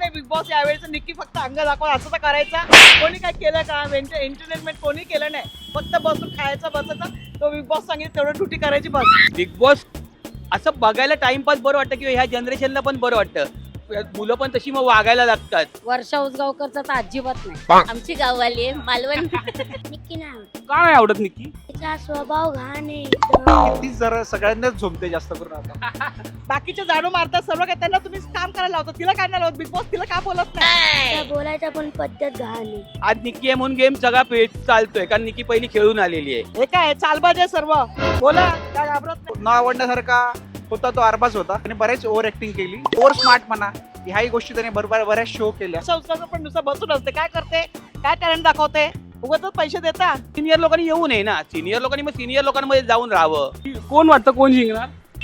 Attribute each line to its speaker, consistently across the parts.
Speaker 1: नाही big boss यावेळेचं Nikki फक्त अंग दाखवा असं तर करायचा कोणी काय केलं का एंटरटेनमेंट कोणी केलं नाही फक्त बसून खायचं बसायचं तो बिग बॉस सांगितलं तेवढं ड्युटी करायची बस
Speaker 2: बिग बॉस असं बघायला टाइमपास बरं वाटतं किंवा ह्या जनरेशनला पण बरं वाटतं मुलं पण तशी मग वागायला लागतात
Speaker 3: वर्षा उसगावकरचा तर अजिबात नाही. आमची गाववाली आहे मालवण.
Speaker 4: निक्की नाही आवडत.
Speaker 5: का नाही आवडत निक्की?
Speaker 4: तिचा स्वभाव घाण आहे एकदम.
Speaker 6: तीच जरा सगळ्यांनाच झोमते जास्त करून आता.
Speaker 1: बाकीचे झाडू मारतात सर्व काय त्यांना तुम्ही काम करायला लावता तिला काय नाही लावत बिग बॉस तिला का बोलत नाही
Speaker 4: तिचा बोलायचा पण पद्धत घाण आहे.
Speaker 2: आज निक्की आहे म्हणून गेम सगळा पेट चालतोय कारण निक्की पहिली खेळून आलेली आहे.
Speaker 1: हे काय चालबाज आहे सर्व बोला काय घाबरत नाही
Speaker 6: न आवडण्यासारखा होता तो अरबाज होता आणि बरेच ओव्हर ऍक्टिंग केली ओव्हर स्मार्ट म्हणा ह्याही गोष्टी त्याने बऱ्याच शो केल्या.
Speaker 1: संस्थाचं पण नुसतं बसून असते काय करते काय टॅलेंट दाखवते उगाचच पैसे देता
Speaker 2: सिनियर लोकांनी येऊ नये ना सिनियर लोकांनी मग सिनियर लोकांमध्ये जाऊन राहावं.
Speaker 5: कोण वाटतं कोण जिंकणार?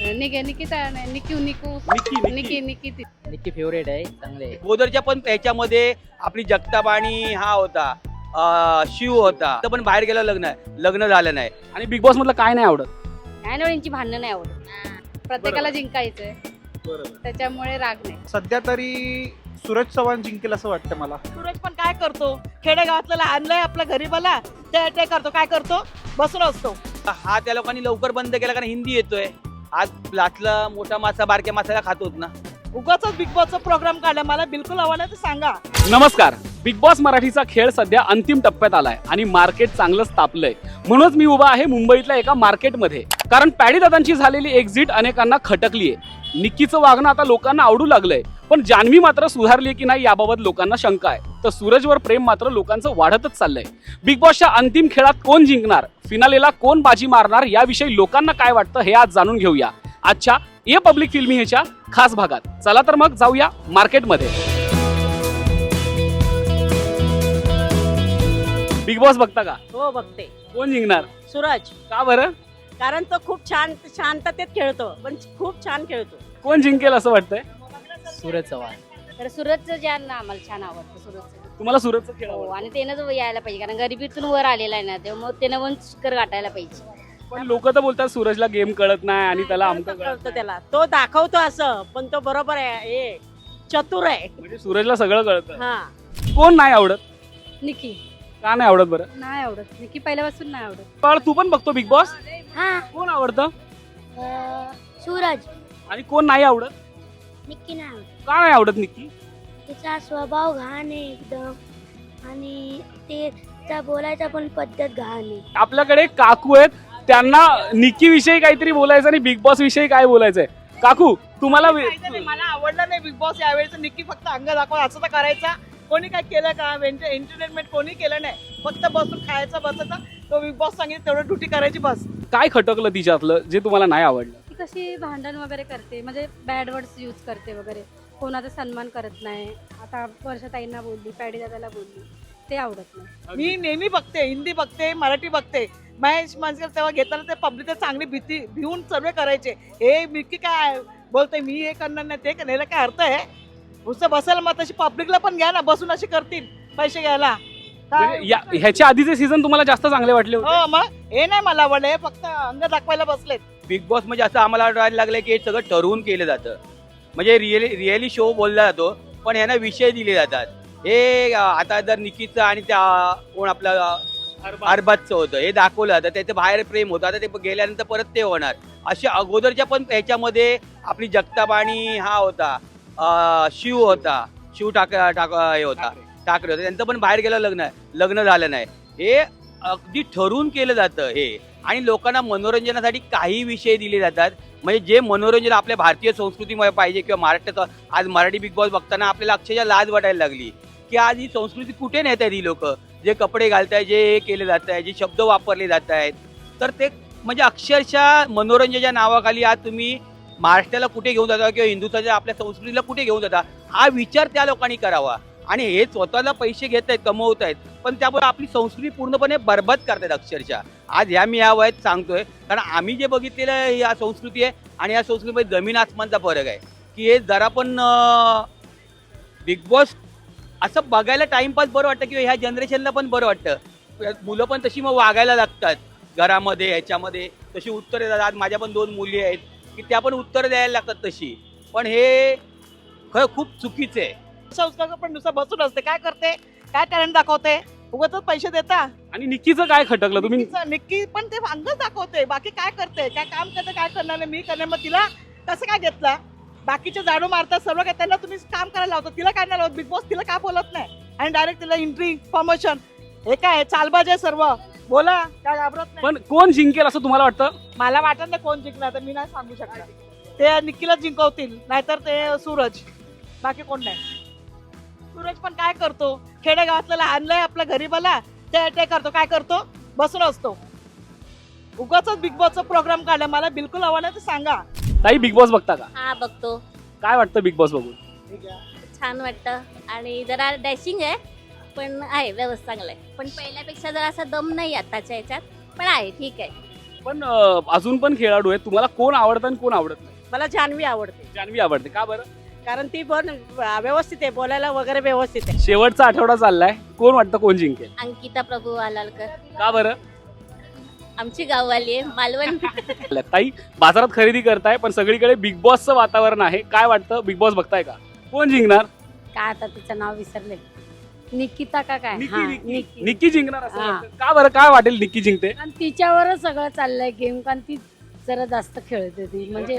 Speaker 3: निकी
Speaker 7: निक्की फेवरेट आहे चांगले.
Speaker 2: गोदरच्या पण त्याच्यामध्ये आपली जगताप आणि हा होता शिव होता तर पण बाहेर गेला लग्न झालं नाही.
Speaker 5: आणि बिग बॉस मधलं काय नाही आवडत?
Speaker 3: काय नाही यांची भांडणं नाही आवडत. प्रत्येकाला जिंकायचंय त्याच्यामुळे राग नाही.
Speaker 6: सध्या तरी सूरज चव्हाण जिंकेल असं वाटतं मला.
Speaker 1: सूरज पण काय करतो खेडेगावातला आणलंय आपल्या गरीबाला ते करतो काय करतो बसून असतो.
Speaker 2: हा त्या लोकांनी लवकर बंद केला कारण हिंदी येतोय. आज लाचला मोठा मासा बारक्या मासाला खातोच ना.
Speaker 1: उगाच बिग बॉसचा प्रोग्राम काढला मला बिलकुल आवडला तर सांगा.
Speaker 5: नमस्कार. बिग बॉस मराठीचा खेळ सध्या अंतिम टप्प्यात आलाय आणि मार्केट चांगलंच तापलंय. म्हणूनच मी उभा आहे मुंबईतल्या एका मार्केटमध्ये कारण पॅडी दादांची झालेली एक्झिट अनेकांना खटकलीये. निक्कीचं वागणं आता लोकांना आवडू लागलंय पण जान्हवी मात्र सुधारली की नाही याबाबत लोकांना शंका आहे. तर सूरजवर प्रेम मात्र लोकांचं वाढतच चाललंय. बिग बॉसच्या अंतिम खेळात कोण जिंकणार फिनालेला कोण बाजी मारणार याविषयी लोकांना काय वाटतं हे आज जाणून घेऊया आजच्या ए पब्लिक फिल्मी ह्याच्या खास भागात. चला तर मग जाऊया मार्केटमध्ये. बिग बॉस बघता का?
Speaker 8: हो बघते.
Speaker 5: कोण जिंकणार?
Speaker 8: सूरज
Speaker 5: का बरं?
Speaker 8: कारण तो खूप छान शांततेत खेळतो पण खूप छान खेळतो.
Speaker 5: कोण जिंकेल असं वाटतंय?
Speaker 7: सूरज चव्हाण.
Speaker 3: तर सूरजचं ज्ञान ना आम्हाला छान आवडतं सूरजचं.
Speaker 5: तुम्हाला सूरजचं खेळ
Speaker 3: हो
Speaker 5: आवडतं?
Speaker 3: आणि त्यानं यायला पाहिजे कारण गरिबीतून वर आलेला आहे ना त्यामुळे त्यानं वन शिखर गाठायला पाहिजे.
Speaker 5: पण लोक तर बोलतात सूरजला गेम कळत नाही आणि त्याला आमचं कळत
Speaker 8: कळतं त्याला तो दाखवतो असं पण तो बरोबर आहे हे चतुर आहे.
Speaker 5: म्हणजे सूरजला सगळं कळतं.
Speaker 8: हा
Speaker 5: कोण नाही आवडत?
Speaker 3: निकी
Speaker 5: का नाही आवडत बरं?
Speaker 3: नाही आवडत. निकी पहिल्यापासून नाही आवडत.
Speaker 5: पण तू पण बघतो बिग बॉस.
Speaker 4: हा
Speaker 5: कोण आवडतं
Speaker 4: सूरज.
Speaker 5: आणि कोण नाही आवडत?
Speaker 4: निक्की नाही आवडत.
Speaker 5: का नाही आवडत निक्की?
Speaker 4: तिचा स्वभाव घाण आहे एकदम आणि तिचा बोलायचा पण पद्धत घाण आहे.
Speaker 5: आपल्याकडे काकू आहेत त्यांना निक्की विषयी काहीतरी बोलायचं आणि बिग बॉस विषयी काय बोलायचंय. काकू तुम्हाला
Speaker 1: माहिती नाही, मला आवडलं नाही बिग बॉस यावेळेचं निक्की फक्त अंग दाखवा असं तर करायचा कोणी काय केलं का एंटरटेनमेंट कोणी केलं नाही फक्त बसून खायचं बसायचं तो बिग बॉस सांगितलं तेवढं ड्युटी करायची बस.
Speaker 5: काय खटकलं तिच्यातलं जे तुम्हाला नाही आवडलं?
Speaker 3: ती कशी भांडण वगैरे करते म्हणजे बॅड वर्ड्स यूज करते वगैरे कोणाचा सन्मान करत नाही. आता वर्षाताईंना बोलली पॅडी दादाला बोलली ते आवडत नाही.
Speaker 1: मी नेहमी बघते हिंदी बघते मराठी बघते महेश मांजकर तेव्हा घेताना ते पब्लिक चांगली भिवून सर्वे करायचे. हे निक्की काय बोलते मी हे करणार नाही ते करण्याला काय अर्थ आहे. नुसतं बसायला मग तशी पब्लिकला पण घ्या ना बसून अशी करतील पैसे घ्यायला.
Speaker 5: म्हणजे ह्याच्या आधीचे सीझन तुम्हाला जास्त चांगले वाटले होते?
Speaker 1: हो मग हे नाही मला आवडलं हे फक्त अंग दाखवायला बसलेत.
Speaker 2: बिग बॉस म्हणजे असं आम्हाला वाटायला लागलं की हे सगळं ठरवून केलं जातं. म्हणजे रिअली शो बोलला जातो पण यांना विषय दिले जातात. हे आता जर निकीचं आणि त्या कोण आपलं अरबाजचं होतं हे दाखवलं जातं त्याचं बाहेर प्रेम होतं आता ते गेल्यानंतर परत ते होणार. असे अगोदरच्या पण ह्याच्यामध्ये आपली जगताप आणि हा होता शिव होता शिव हे होता ठाकरे होता त्यांचं पण बाहेर गेलं लग्न झालं नाही. हे अगदी ठरवून केलं जातं हे आणि लोकांना मनोरंजनासाठी काही विषय दिले जातात. म्हणजे जे मनोरंजन आपल्या भारतीय संस्कृतीमध्ये पाहिजे किंवा महाराष्ट्रात आज मराठी बिग बॉस बघताना आपल्याला अक्षरशः लाज वाटायला लागली की आज ही संस्कृती कुठे नेत आहेत ही लोक. जे कपडे घालतायत जे केले जात आहे जे शब्द वापरले जात आहेत तर ते म्हणजे अक्षरशः मनोरंजनाच्या नावाखाली आज तुम्ही महाराष्ट्राला कुठे घेऊन जाता किंवा हिंदुत्वाच्या आपल्या संस्कृतीला कुठे घेऊन जाता हा विचार त्या लोकांनी करावा. आणि हे स्वतःला पैसे घेत आहेत कमवत आहेत पण त्यामुळे आपली संस्कृती पूर्णपणे बरबाद करतायत अक्षरशः. आज ह्या मी या वयात सांगतोय कारण आम्ही जे बघितलेलं आहे या संस्कृती आहे आणि या संस्कृतीमध्ये जमीन आसमानचा फरक आहे की हे जरा पण बिग बॉस असं बघायला टाइमपास बरं वाटतं किंवा ह्या जनरेशनला पण बरं वाटतं. मुलं पण तशी मग वागायला लागतात घरामध्ये ह्याच्यामध्ये तशी उत्तरे देतात. आज माझ्या पण 2 मुली आहेत की त्या पण उत्तरं द्यायला लागतात तशी. पण हे खरं खूप चुकीचं आहे
Speaker 1: संस्कार पण नुसतं बसून असते, काय करते, काय टॅलेंट दाखवते, उगाचच पैसे देता.
Speaker 5: आणि निक्कीचं काय खटकलं तुम्ही?
Speaker 1: निक्की पण ते अंगच दाखवते, बाकी काय करते, काय काम करते, काय करणार नाही, मी करणार. मग तिला कसं काय घेतला? बाकीचे झाडू मारतात सर्व काय, त्यांना तुम्ही काम करायला लावता, तिला काय नाही लावत? बिग बॉस तिला का बोलत नाही? आणि डायरेक्ट तिला एंट्री प्रमोशन, हे काय चालबाज आहे सर्व. बोला, काय घाबरत नाही.
Speaker 5: पण कोण जिंकेल असं तुम्हाला वाटतं?
Speaker 1: मला वाटत नाही कोण जिंकणार, तर मी नाही सांगू शकणार. ते निक्कीला जिंकवतील, नाहीतर ते सूरज, बाकी कोण नाही. सूरज पण काय करतो, खेडेगावातला आणलंय आपल्या गरीबाला, ते करतो, काय करतो, बसून असतो. उगाच बिग बॉसचा प्रोग्राम काढला, मला बिलकुल हवा नाही, तर सांगा.
Speaker 5: ताई बिग बॉस बघता का?
Speaker 9: हा बघतो.
Speaker 5: काय वाटतं बिग बॉस बघून?
Speaker 9: छान वाटतं आणि जरा डॅशिंग आहे, पण आहे व्यवस्थित चांगलं आहे. पण पहिल्यापेक्षा जरा असा दम नाही आताच्या ह्याच्यात, पण आहे ठीक आहे.
Speaker 5: पण अजून पण खेळाडू आहेत, तुम्हाला कोण आवडतं आणि कोण आवडत नाही?
Speaker 8: मला जान्हवी आवडते,
Speaker 5: जान्हवी आवडते का बरं?
Speaker 8: कारण ती पण व्यवस्थित आहे, बोलायला वगैरे व्यवस्थित आहे.
Speaker 5: शेवटचा आठवडा चाललाय, कोण वाटतं कोण जिंकेल?
Speaker 9: अंकिता प्रभू आलालकर,
Speaker 5: का बरं?
Speaker 9: आमची गाववाली आहे, मालवण.
Speaker 5: ताई बाजारात खरेदी करताय, पण सगळीकडे बिग बॉसचं वातावरण आहे, काय वाटतं? बिग बॉस बघताय का? कोण जिंकणार?
Speaker 3: काय आता तिचं नाव विसरले, निकिता का काय?
Speaker 5: निक्की
Speaker 3: हा,
Speaker 5: निक्की
Speaker 3: निक्की.
Speaker 5: निक्की जिंकणार असं
Speaker 3: हा.
Speaker 5: वाटतं. का बरं? काय वाटेल निक्की जिंकते?
Speaker 3: आणि तिच्यावरच सगळं चाललंय गेम, कारण ती जरा जास्त खेळते, ती म्हणजे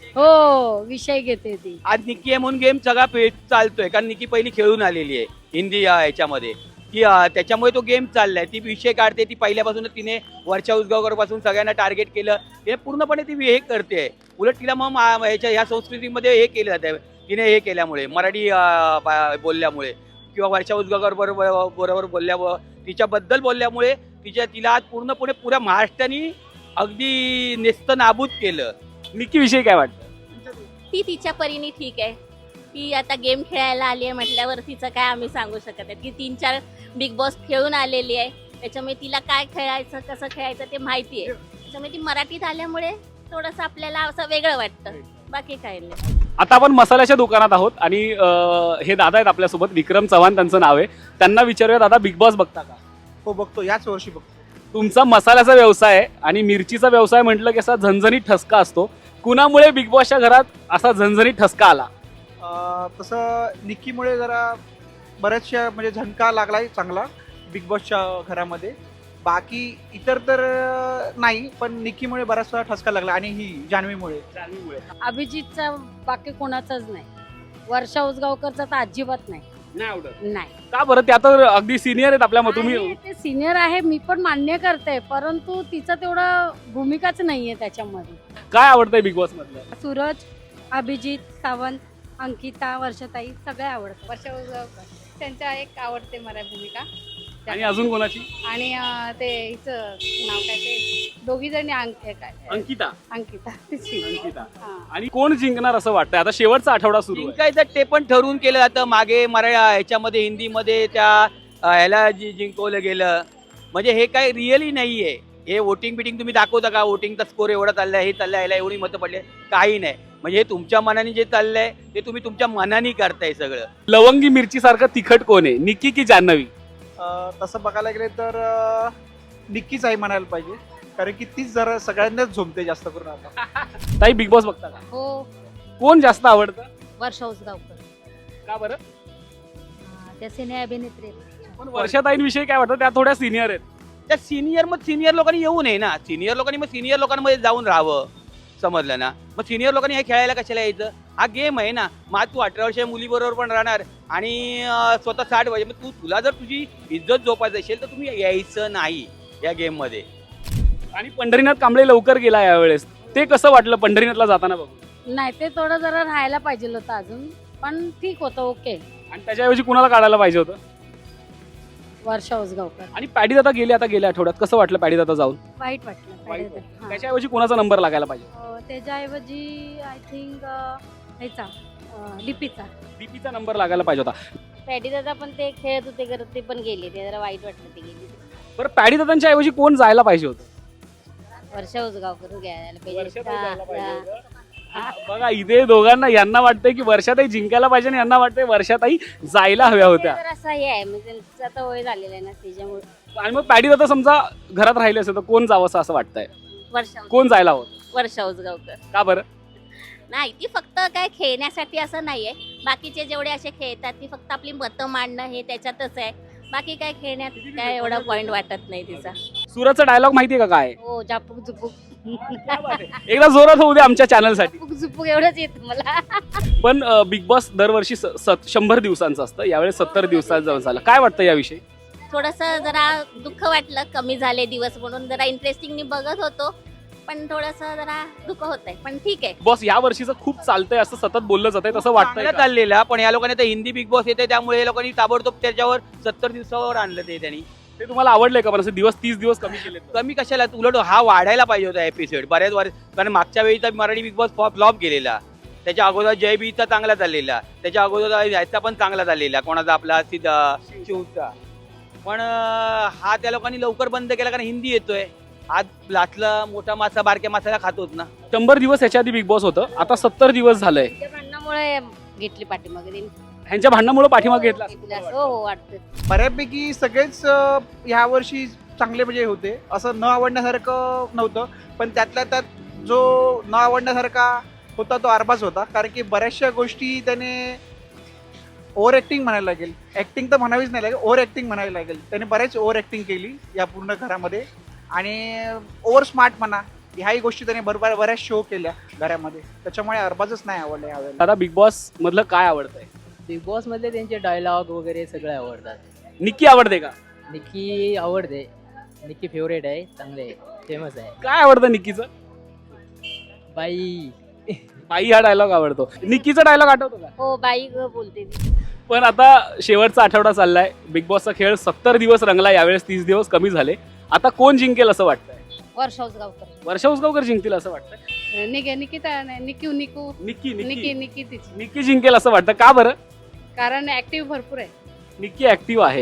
Speaker 3: हो विषय घेते ती.
Speaker 2: आज निक्की आहे म्हणून गेम सगळा चालतोय, कारण निक्की पहिली खेळून आलेली आहे हिंदी याच्यामध्ये, की त्याच्यामुळे तो गेम चाललाय. ती विषय काढते, ती पहिल्यापासूनच तिने वर्षा उसगावकर पासून सगळ्यांना टार्गेट केलं, हे पूर्णपणे ती हे करते. उलट तिला मग ह्या संस्कृतीमध्ये हे केलं जातं, तिने हे केल्यामुळे, मराठी बोलल्यामुळे किंवा वर्षा उसगावकर बरोबर बोलल्यामुळे, तिच्याबद्दल बोलल्यामुळे तिला आज पूर्णपणे पुऱ्या महाराष्ट्राने अगदी नेस्त नाबूद केलं.
Speaker 5: निक्की विषयी काय वाटतं?
Speaker 9: ती तिच्या परीने ठीक आहे. ती आता गेम खेळायला आली आहे म्हटल्यावर तिचं काय आम्ही सांगू शकत नाही. ती 3-4 बिग बॉस खेळून आलेली आहे, त्याच्यामुळे तिला काय खेळायचं, कसं खेळायचं ते माहिती आहे. त्याच्यामुळे ती मराठीत आल्यामुळे थोडंसं आपल्याला असं वेगळं वाटतं, बाकी काही नाही.
Speaker 5: आता आपण मसाल्याच्या दुकानात आहोत आणि हे दादा आहेत आपल्यासोबत, विक्रम चव्हाण त्यांचं नाव आहे. त्यांना विचारूया, दादा बिग बॉस बघता का?
Speaker 6: हो बघतो, याच वर्षी बघतो.
Speaker 5: तुमचा मसाल्याचा व्यवसाय आहे आणि मिरचीचा व्यवसाय म्हटलं की असा झणझणीत ठसका असतो. कुणामुळे बिग बॉसच्या घरात असा झणझणीत ठसका आला?
Speaker 6: तसं निक्कीमुळे जरा बऱ्याचशा म्हणजे झणका लागलाय चांगला बिग बॉसच्या घरामध्ये. बाकी इतर तर नाही, पण निक्कीमुळे बराचसा ठसका लागला आणि ही जान्हवीमुळे.
Speaker 3: अभिजितचा बाकी कोणाचाच नाही, वर्षा उसगावकरचा तर अजिबात नाही.
Speaker 5: नाही आवडत?
Speaker 3: नाही.
Speaker 5: का बरं? त्या तर अगदी सिनियर आहेत आपल्या, तुम्ही
Speaker 3: आहे, ते सिनियर आहे, मी पण मान्य करते, परंतु तिचं तेवढं भूमिकाच नाहीये त्याच्यामध्ये.
Speaker 5: काय आवडतंय बिग बॉस मधलं?
Speaker 3: सूरज, अभिजित, सावंत, अंकिता, वर्षाताई सगळे आवडतात. वर्षा उसगावकर त्यांच्या एक आवडते मला भूमिका.
Speaker 5: आणि अजून कोणाची?
Speaker 3: आणि ते हिचं नाव काय, ते दोघी जणी
Speaker 5: अंकिता.
Speaker 3: अंकिता.
Speaker 5: अंकिता.
Speaker 3: हा.
Speaker 5: आणि कोण जिंकणार असं वाटतंय? आता शेवटचा आठवडा सुरू आहे.
Speaker 2: जिंकायचं ते पण ठरवून केलं जातं. मागे ह्याच्यामध्ये हिंदीमध्ये त्या ह्याला जिंकवलं गेलं, म्हणजे हे काही रिअली नाहीये. हे वोटिंग बिटिंग तुम्ही दाखवता का? वोटिंगचा स्कोर एवढा चाललाय, हे चाललंय, ह्याला एवढी मतं पडले, काही नाही. म्हणजे हे तुमच्या मनाने जे चाललंय ते तुम्ही तुमच्या मनाने करताय सगळं.
Speaker 5: लवंगी मिरची सारखं तिखट कोण आहे, निक्की की जान्हवी?
Speaker 6: तसं बघायला गेले तर निक्कीच आहे म्हणायला पाहिजे, कारण की तीच जरा सगळ्यांनाच झोमते जास्त करून आता.
Speaker 5: ताई बिग बॉस बघता का?
Speaker 3: हो,
Speaker 5: कोण जास्त आवडतं?
Speaker 3: वर्षा उसगावकर.
Speaker 5: का बरं?
Speaker 3: त्या सिने अभिनेत्री.
Speaker 5: पण वर्षाताईंविषयी काय वाटतं? त्या थोड्या सिनियर आहेत.
Speaker 2: त्या सिनियर लोकांनी येऊ नये ना. सिनियर लोकांनी मग सिनियर लोकांमध्ये जाऊन राहावं, समजलं ना. मग सिनियर लोकांनी हे खेळायला कशाला यायचं? हा गेम आहे ना. मग तू 18 वर्षाच्या मुलीबरोबर पण राहणार आणि स्वतः 60 वर्ष, मग तुला जर तुझी इज्जत जोपायची असेल तर तुम्ही यायचं नाही या गेम मध्ये.
Speaker 5: आणि पंढरीनाथ कांबळे लवकर गेला यावेळेस, ते कसं वाटलं पंढरीनाथला जाताना बघून?
Speaker 3: नाही, ते थोडं जरा राहायला पाहिजे होतं अजून, पण ठीक होतं, ओके.
Speaker 5: आणि त्याच्याऐवजी कुणाला काढायला पाहिजे होतं?
Speaker 3: वर्षा उसगावकर.
Speaker 5: आणि पॅडी दादा गेले आता गेल्या आठवड्यात, कसं वाटलं पॅडी दादा जाऊन?
Speaker 3: वाईट वाटलं. हा.
Speaker 5: त्याच्याऐवजी कुणाचा नंबर लागायला पाहिजे?
Speaker 3: त्याच्याऐवजी आय थिंक ह्याचा डीपीचा.
Speaker 5: दीपीचा नंबर लागायला पाहिजे होता.
Speaker 9: पॅडी दादा पण ते खेळत होते करत, ते पण गेले, ते जरा वाईट वाटलं ते गेले.
Speaker 5: बरं, पॅडी दादांच्या ऐवजी कोण जायला पाहिजे होतं?
Speaker 9: वर्षा उसगावकर घ्यायला
Speaker 5: वर्षाताई जायला पाहिजे
Speaker 9: पाहिजे.
Speaker 5: होतं. बघा इथे दोघांना, यांना वाटतंय की वर्षाताई जिंकायला पाहिजे आणि यांना वाटतंय वर्षाताई जायला हव्या होत्या.
Speaker 9: तर असं हे आहे, म्हणजे त्यांचं आता वय झालेलं आहे ना त्याच्यामुळे.
Speaker 5: आणि मग पॅडी दादा समजा घरात राहिले असेल तर कोण जावं असं वाटतंय?
Speaker 9: वर्षा
Speaker 5: कोण जायला हवं?
Speaker 9: वर्षा उसगावकर.
Speaker 5: का बरं?
Speaker 9: नाही ती फक्त काय खेळण्यासाठी असं नाहीये. बाकीचे जेवढे असे खेळतात ती फक्त आपली मतं मांडणं हे त्याच्यातच आहे. बाकी काय खेळण्यात काय एवढा पॉइंट वाटत नाही तिचा.
Speaker 5: सूरजचा डायलॉग माहितीये का काय?
Speaker 3: हो झापूक झुपूक
Speaker 5: एकदा जोरात होऊ दे आमच्या चॅनलसाठी.
Speaker 3: झुपूक झुपूक एवढंच येतं मला.
Speaker 5: पण बिग बॉस दरवर्षी 100 दिवसांचं असतं, यावेळेस 70 दिवसांचं झालं. काय वाटतं याविषयी?
Speaker 9: थोडंसं जरा दुःख वाटलं, कमी झाले दिवस म्हणून. जरा इंटरेस्टिंगली बघत होतो पण थोडंसं जरा दुःख होतंय, पण ठीक आहे.
Speaker 5: बॉस या वर्षीचं खूप चालतंय असं सतत बोललं जातंय, तसं वाटतंय
Speaker 2: चांगलं
Speaker 5: का?
Speaker 2: चाललेला, पण या लोकांनी आता हिंदी बिग बॉस येते त्यामुळे या लोकांनी ताबडतोब त्याच्यावर 70 दिवसावर आणलं ते त्यांनी.
Speaker 5: ते तुम्हाला आवडलंय का? पण असे दिवस 30 दिवस कमी केले.
Speaker 2: कमी कशाला, उलट हा वाढायला पाहिजे होता एपिसोड बऱ्याच वर्ष. कारण मागच्या वेळीचा मराठी बिग बॉस फ्लॉप गेलेला, त्याच्या अगोदर जय बीचा चांगला चाललेला, त्याच्या अगोदर याचा पण चांगला चाललेला, कोणाचा आपला शिवचा. पण हा त्या लोकांनी लवकर बंद केला कारण हिंदी येतोय. आज लाचला मोठा मासा बारक्या मासाला खातोच ना.
Speaker 5: 100 दिवस याच्या आधी बिग बॉस होतं, आता 70 दिवस झालंय.
Speaker 3: त्या भांडणामुळे घेतली पाठीमागे
Speaker 5: ह्यांच्या भांडणामुळे पाठीमागे घेतला असं.
Speaker 3: हो वाटतं.
Speaker 6: बऱ्यापैकी सगळेच ह्या वर्षी चांगले म्हणजे होते, असं न आवडण्यासारखं नव्हतं. पण त्यातल्या त्यात जो न आवडण्यासारखा होता तो अरबाज होता. कारण की बऱ्याचशा गोष्टी त्याने ओव्हर ॲक्टिंग म्हणायला लागेल, ॲक्टिंग तर म्हणावीच नाही लागेल, ओव्हर ॲक्टिंग म्हणायला लागेल. त्याने बरेच ओव्हर ॲक्टिंग केली या पूर्ण घरामध्ये. आणि ओव्हर स्मार्ट म्हणा, ह्याही गोष्टी त्याने बरोबर बऱ्याच शो केल्या घरामध्ये. त्याच्यामुळे अरबाजच नाही आवडलं यावेळेला.
Speaker 5: आता बिग बॉस मधलं काय आवडतंय?
Speaker 7: बिग बॉस मधले त्यांचे डायलॉग वगैरे सगळे आवडतात.
Speaker 5: निक्की आवडते का?
Speaker 7: निक्की आवडते. निक्की फेवरेट आहे, चांगले आहे, फेमस आहे.
Speaker 5: काय आवडतं निक्कीचं?
Speaker 7: बाई
Speaker 5: बाई हा डायलॉग आवडतो. निक्कीचा डायलॉग आठवतो का?
Speaker 3: हो बाई बोलते ती.
Speaker 5: पण आता शेवटचा आठवडा चाललाय, बिग बॉसचा खेळ 70 दिवस रंगला, यावेळेस 30 दिवस कमी झाले. आता कोण जिंकेल असं वाटतंय?
Speaker 3: वर्षा उसगावकर.
Speaker 5: वर्षा उसगावकर जिंकतील असं वाटतंय.
Speaker 3: निकिता नाही, निक्की
Speaker 5: निक्की
Speaker 3: निक्की तिची.
Speaker 5: निक्की जिंकेल असं वाटतं का बरं?
Speaker 3: कारण ऍक्टिव्ह भरपूर आहे.
Speaker 5: निक्की ऍक्टिव्ह आहे.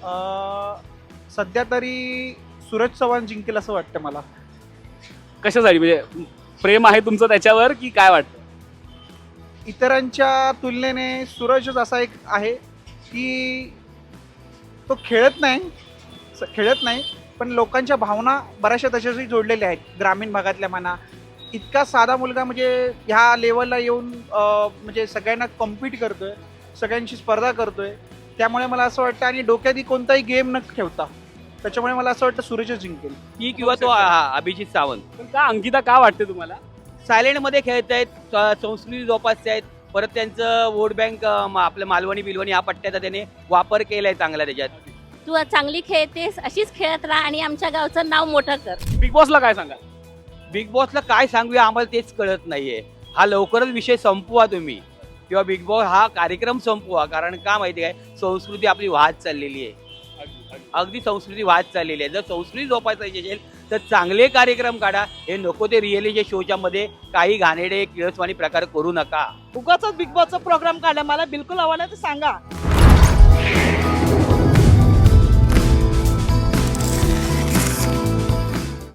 Speaker 6: सध्या तरी सूरज चव्हाण जिंकेल असं वाटतं मला.
Speaker 5: कशासाठी? म्हणजे प्रेम आहे तुमचं त्याच्यावर की काय वाटतं?
Speaker 6: इतरांच्या तुलनेने सूरजच असा एक आहे की तो खेळत नाही पण लोकांच्या भावना बऱ्याचशा त्याच्याशी जोडलेल्या आहेत. ग्रामीण भागातल्या म्हणा, इतका साधा मुलगा म्हणजे ह्या लेवलला येऊन म्हणजे सगळ्यांना कॉम्पीट करतोय, सगळ्यांशी स्पर्धा करतोय. त्यामुळे मला असं वाटतं, आणि डोक्यात कोणताही गेम न ठेवता, त्याच्यामुळे मला असं वाटतं सूरजच जिंकेल.
Speaker 2: ही किंवा तो अभिजित सावंत.
Speaker 5: पण का अंकिता का वाटते तुम्हाला?
Speaker 2: सायलेंट मध्ये खेळत आहेत, संस्कृती जोपासत आहेत. परत त्यांचं वोट बँक आपल्या मालवणी बिलवणी या पट्ट्याचा त्याने वापर केलाय चांगला. त्याच्यात
Speaker 9: तू चांगली खेळतेस, अशीच खेळत राहा आणि आमच्या गावचं नाव मोठं कर.
Speaker 5: बिग बॉसला काय सांगा?
Speaker 2: बिग बॉसला काय सांगूया आम्हाला तेच कळत नाहीये. हा लवकरच विषय संपवा तुम्ही, किंवा बिग बॉस हा कार्यक्रम संपवा. कारण का माहिती काय, संस्कृती आपली वाहत चाललेली आहे. अगदी संस्कृती वाहत चाललेली आहे. जर संस्कृती जोपासायची असेल तर चांगले कार्यक्रम काढा. हे नको ते रिअलिटी शोच्या मध्ये काही घाणेरडे किळसवाणी प्रकार करू नका.
Speaker 1: उगाच बिग बॉसचा प्रोग्राम काढला, मला बिलकुल आवडला तर सांगा.